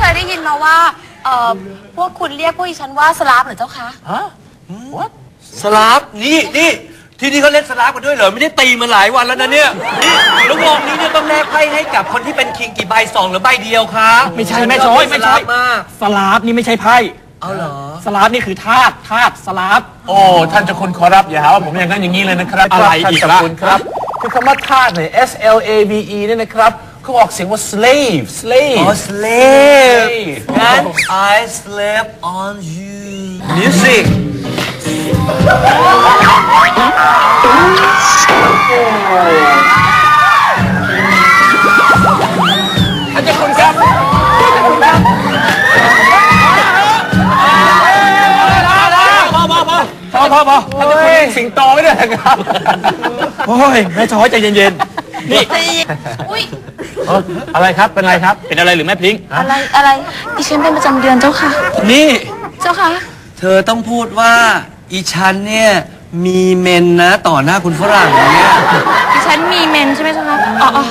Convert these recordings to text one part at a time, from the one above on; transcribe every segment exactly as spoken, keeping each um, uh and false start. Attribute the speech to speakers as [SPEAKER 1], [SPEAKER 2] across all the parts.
[SPEAKER 1] ยได้ยินมาว่าเอ่อพวกคุณเรียกพวกดิฉันว่าสลาฟเหรอเจ้าคะ
[SPEAKER 2] ฮะ what สลาฟนี่นี่ที่นี่เขาเล่นสลาฟกันด้วยเหรอไม่ได้ตีมาหลายวันแล้วนะเนี่ยนี่แล้ววงนี้เนี่ยต้องแลกไพ่ให้กับคนที่เป็นคิงกี่ใบสองหรือใบเดียวคะ
[SPEAKER 3] ไม่ใช่แม่ช้อยไม่ใช่สลาฟนี่ไม่ใช่ไพ่
[SPEAKER 2] เอาเหรอ
[SPEAKER 3] สลาฟนี่คือทาสทาสสลาฟ
[SPEAKER 4] โอ้ท่านเจ้าคุณขอรับอย่าหาว่าผมอย่างนั้นอย่างนี้เลยนะครับ
[SPEAKER 3] อะไรอีกล่ะ
[SPEAKER 4] ครับคือคำว่าทาสเนี่ย S L A V E เนี่ยนะครับเขาออกเสียงว่า slave slave
[SPEAKER 2] อ๋อ slave งั้น I slave on you music
[SPEAKER 4] ท่านเจ้าคุณครับท่านเจ้าคุณครับพอพอพอพอพอพอท่านเจ้าคุณเลี้ยงสิงโตไว้ด้วยนะครับ
[SPEAKER 3] โอ้ยแม่ช้อยใจเย็นๆนี่
[SPEAKER 1] อุ้ย
[SPEAKER 4] อะไรครับเป็นอะไรครับ
[SPEAKER 3] เป็นอะไรหรือแม่พลิง
[SPEAKER 1] อะไรอะไรดิฉันเป็นประจำเดือนเจ้าค่ะ
[SPEAKER 2] นี่
[SPEAKER 1] เจ้าค่ะ
[SPEAKER 2] เธอต้องพูดว่าอีฉันเนี่ยมีเมนนะต่อหน้าคุณฝรั่งเนี่ย
[SPEAKER 1] ดิฉันมีเมนใช่ไหมเจ้าค่ะอ๋อ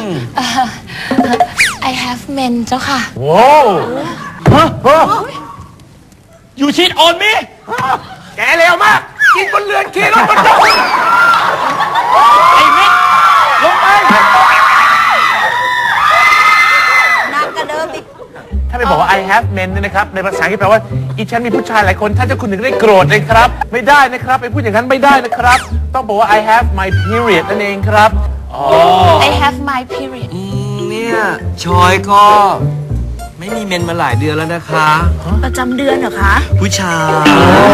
[SPEAKER 1] I have men เจ้าค่ะ
[SPEAKER 4] โว้วฮะฮะ
[SPEAKER 3] อยู่ชิดออนมิ
[SPEAKER 4] แกเร็วมากกินบนเรือนขี่รถบนรถ
[SPEAKER 3] ไอ้มิลงไป
[SPEAKER 1] นักกระเดิมอีก
[SPEAKER 4] ถ้าไปบอกว่า I have men เนี่ยนะครับในภาษาอังกฤษแปลว่าอีฉันมีผู้ชายหลายคนท่านเจ้าคุณถึงได้โกรธเลยครับไม่ได้นะครับไปพูดอย่างนั้นไม่ได้นะครับต้องบอกว่า I have my period นั่นเองครับ
[SPEAKER 1] I have my period
[SPEAKER 2] เนี่ยชอยก็ไม่มีเมนมาหลายเดือนแล้วนะคะ
[SPEAKER 1] ประจำเดือนเหรอคะ
[SPEAKER 2] ผู้ชาย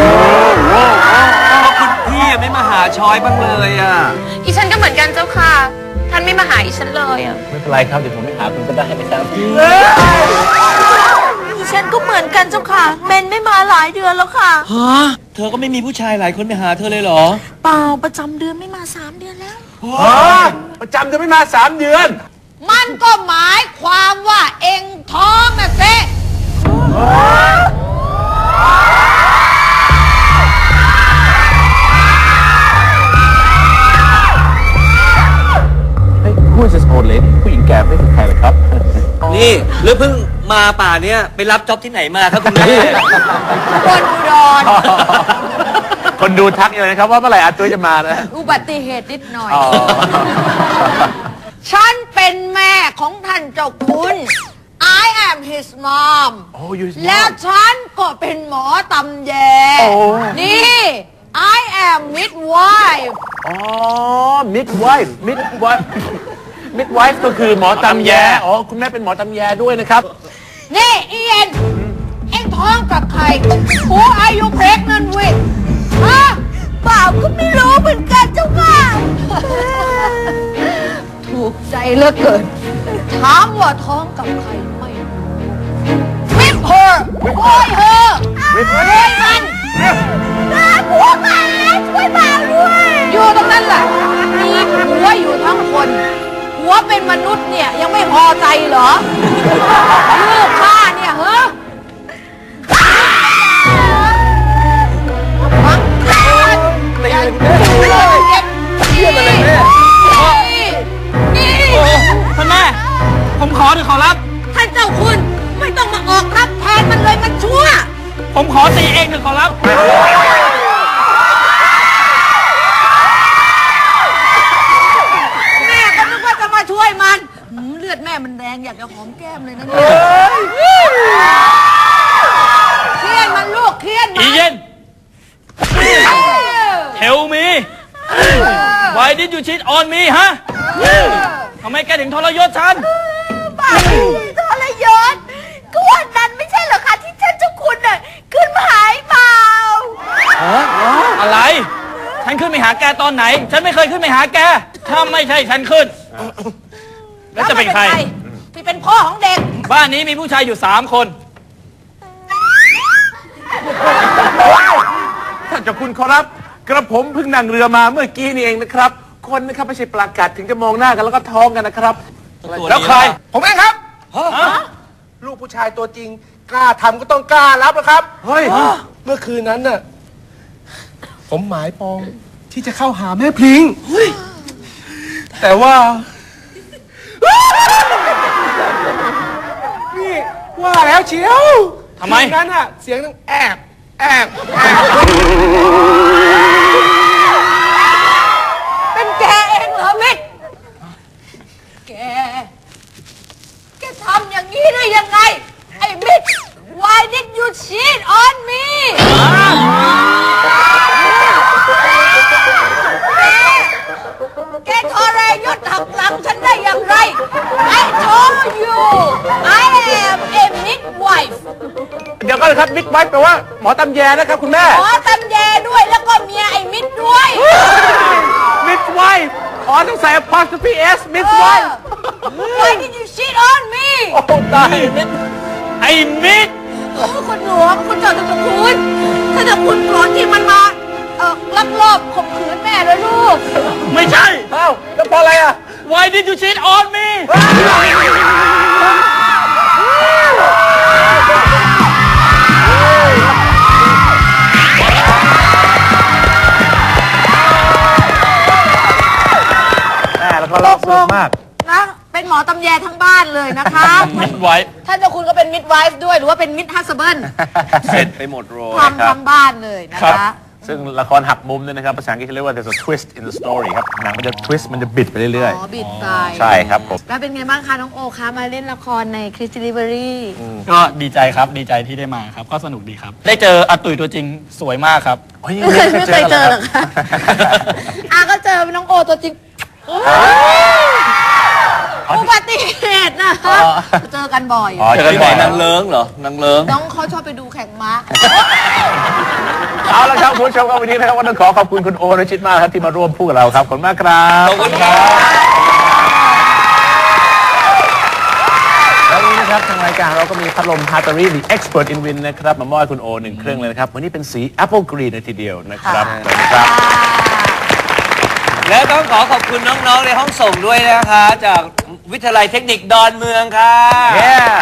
[SPEAKER 2] คุณพี่ไม่มาหาชอยบ้างเลยอ่ะ
[SPEAKER 1] อีฉันก็เหมือนกันเจ้าค่ะท่านไม่มาหาอีฉันเลยอ่ะ
[SPEAKER 4] ไม่เป็นไรครับเดี๋ยวผมไม่หาคุณก็ได้ให้ไปตามที่
[SPEAKER 1] อีฉันก็เหมือนกันเจ้าค่ะเมนไม่มาหลายเดือนแล้วค่ะ
[SPEAKER 2] ฮะเธอก็ไม่มีผู้ชายหลายคนไปหาเธอเลยเหรอ
[SPEAKER 1] เปล่าประจำเดือนไม่มาสามเดือนแล้ว
[SPEAKER 4] ฮะประจำเดือนไม่มาสามเดือน
[SPEAKER 1] มันก็หมายความว่าเอ็งท้องนะเซ่
[SPEAKER 4] ผู้จะโอนเลยผู้หญิงแก่ไม่เป็นใครเลยครับ
[SPEAKER 2] นี่หรือเพิ่งมาป่าเนี่ยไปรับจ็อบที่ไหนมาครับคุณแม่
[SPEAKER 1] คนอุดร
[SPEAKER 4] คนดูทักเลยนะครับว่าเมื่อไหร่อาตุ้ยจะมานะ
[SPEAKER 1] อุบัติเหตุนิดหน่อยฉันเป็นแม่ของท่านเจ้าคุณ I am his mom และฉันก็เป็นหมอตำแยนี่ I am midwife
[SPEAKER 4] อ๋อ midwife midwife midwife ก็คือหมอตำแยอ๋อคุณแม่เป็นหมอตำแยด้วยนะครับ
[SPEAKER 1] นี่เอียนเอ็งท้องกับใคร Who are you pregnant with ฮะเปล่าก็ไม่รู้เหมือนกันเจ้าค่ะถูกใจเหลือเกินถามว่าท้องกับใครไม่รู้ With her โอยเธอ
[SPEAKER 4] With
[SPEAKER 1] โอยมันน้าผัวมาช่วยมาด้วยอยู่ตรงนั้นแหละมีผัวอยู่ทั้งคนผัวเป็นมนุษย์เนี่ยยังไม่พอใจเหรอลูกข้าเนี่ยเฮ้อฟังกันอย่าเชื่อเลยแม่
[SPEAKER 3] ท่านแม่ผมขอหรือขอรับ
[SPEAKER 1] ท่านเจ้าคุณไม่ต้องมาออกรับแทนมันเลยมันชั่ว
[SPEAKER 3] ผมขอตีเองหรือขอรับ
[SPEAKER 1] แม่ก็นึกว่าจะมาช่วยมันเลือดแม่มันแดงอยากจะหอมแก้มเลยนะเนี่ยเครียดมันลูกเครียดมัน
[SPEAKER 3] อีเย็น Tell me Why did you cheat on me ฮะทำไมแกถึงทรยศฉัน
[SPEAKER 1] บ้าทรยศก็วันนั้นไม่ใช่เหรอคะที่ท่านเจ้าคุณน่ะขึ้นมาหายเปล่า
[SPEAKER 3] อะไรฉันขึ้นไปหาแกตอนไหนฉันไม่เคยขึ้นไปหาแกถ้าไม่ใช่ฉันขึ้นแล้วจะเป็นใคร
[SPEAKER 1] ที่เป็นพ่อของเด็ก
[SPEAKER 3] บ้านนี้มีผู้ชายอยู่สามคน
[SPEAKER 4] ท่านเจ้าคุณขอรับกระผมเพิ่งนั่งเรือมาเมื่อกี้นี่เองนะครับคนนะครับไม่ใช่ปลากัดถึงจะมองหน้ากันแล้วก็ท้องกันนะครับแล้วใครผมเองครับลูกผู้ชายตัวจริงกล้าทำก็ต้องกล้ารับนะครับเฮ้ยเมื่อคืนนั้นน่ะผมหมายปองที่จะเข้าหาแม่พลิงแต่ว่านี่ผว่าแล้วเชียว
[SPEAKER 3] ทำไม
[SPEAKER 4] นั้นอะเสียงต้องแอบแอบแอบ
[SPEAKER 1] เป็นแกเองเหรอมิตรแก แกทำอย่างนี้ได้ยังไง ไอ้มิตร Why did you cheat on me แก แกทรยศหักหลังฉันได้อย่างไร I told you I am a midwife
[SPEAKER 4] เดี๋ยวก็เลยครับมิดไว้แปลว่าหมอตำแยนะครับคุณแม่
[SPEAKER 1] หมอตำแยด้วยแล้วก็เมียไอ้มิตรด้วย
[SPEAKER 4] มิดไว้อ๋อต้องใส่ apostrophe s มิดไว้
[SPEAKER 1] Why did you cheat on me
[SPEAKER 4] โอ้ตายมิด
[SPEAKER 3] ไอ้มิด
[SPEAKER 1] โอ้คุณหลวงคุณเจ้าจะคุณถ้าจะคุณโกรธที่มันมาเอ่อลักลอบข่มขืนแม่เลยลูก
[SPEAKER 3] ไม่ใช่
[SPEAKER 4] เอ้าแล้วเพราะอะไรอ่ะ
[SPEAKER 3] Why did you cheat on me
[SPEAKER 4] แม่แล้วก็ร้องสนุกมาก
[SPEAKER 1] นะ เป็นหมอตำแยทั้งบ้านเลยนะคะ
[SPEAKER 3] มิดไว้
[SPEAKER 1] ท่านเจ้าคุณก็เป็นมิดไวฟ์ด้วย หรือว่าเป็นมิดฮัสเบิล
[SPEAKER 2] เสร็จไปหมดโรย
[SPEAKER 1] ทำทั้งบ้านเลยนะ
[SPEAKER 3] ครั
[SPEAKER 1] คะ
[SPEAKER 3] บ
[SPEAKER 4] ซึ่งละครหักมุมเนี่ยนะครับภาษาอังกฤษเขาเรียกว่า there's a twist in the story ครับหนังมันจะ twist มันจะบิดไปเรื่อย
[SPEAKER 1] อ๋อ บิดไป
[SPEAKER 4] ๆ ใช่ครับผม
[SPEAKER 1] แล้วเป็นไงบ้างคะน้องโอคะมาเล่นละครในคริสติลิเวอรี่
[SPEAKER 3] ก็ดีใจครับดีใจที่ได้มาครับ ก็สนุกดีครับ ได้เจออาตุ๋ยตัวจริงสวยมากครับ
[SPEAKER 1] ไม่เคยไม่เคยเจอหรอกค่ะอ่ะก็เจอน้องโอตัวจริงอุบัติเหตุนะคะเจอกันบ่อย
[SPEAKER 4] อ๋อ
[SPEAKER 2] เจอที่ไหนนางเลิ้งเหรอนางเลิ้ง
[SPEAKER 1] น้องเขาชอบไปดูแข่งม้า
[SPEAKER 4] เอาละครับคุณผู้ชมครับวันนี้นะครับก็ต้องขอขอบคุณคุณโอรชิตมากครับที่มาร่วมพูดกับเราครับขอบคุณมากครับ
[SPEAKER 2] ขอบคุณครับ
[SPEAKER 4] แล้ววันนี้นะครับทางรายการเราก็มีพัดลมฮาตารี The Expert in Wind นะครับมามอบให้คุณโอหนึ่งเครื่องเลยนะครับวันนี้เป็นสี Apple Green เลยทีเดียวนะครับสวัสดีครับ
[SPEAKER 2] และต้องขอขอบคุณน้องๆในห้องส่งด้วยนะคะ จากวิทยาลัยเทคนิคดอนเมืองค่ะ
[SPEAKER 4] Yeah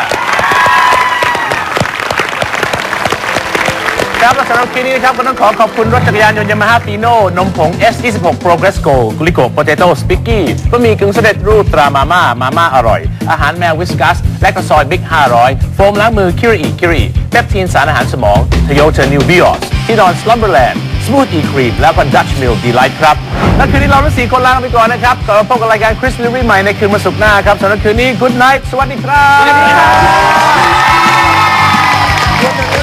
[SPEAKER 4] ครับและสำหรับคืนนี้นะครับก็ต้องขอขอบคุณรถจักรยานยนต์ยามาฮ่าฟีโน่นมผง เอส ยี่สิบหก Progress Go กุลิโกโปเตโต้สปิกกี้บะหมี่กึ่งสำเร็จรูปตรามาม่ามาม่าอร่อยอาหารแมววิสกัสและก็ซอยบิ๊กห้าร้อยโฟมล้างมือคิริอิคิริเปปทีนสารอาหารสมองทโยเทอร์นิวบิออสที่นอนสลัมเบอร์แลนด์สมูทอีครีมแล้วก็ดัชมิลดีไลท์ครับและคืนนี้เราทั้งสี่คนลาไปก่อนนะครับกลับมาพบกับรายการคริสลิวี่ใหม่ในคืนวันศุกร์หน้าครับสำหรับคืนนี้ Good night สวัสดีครับ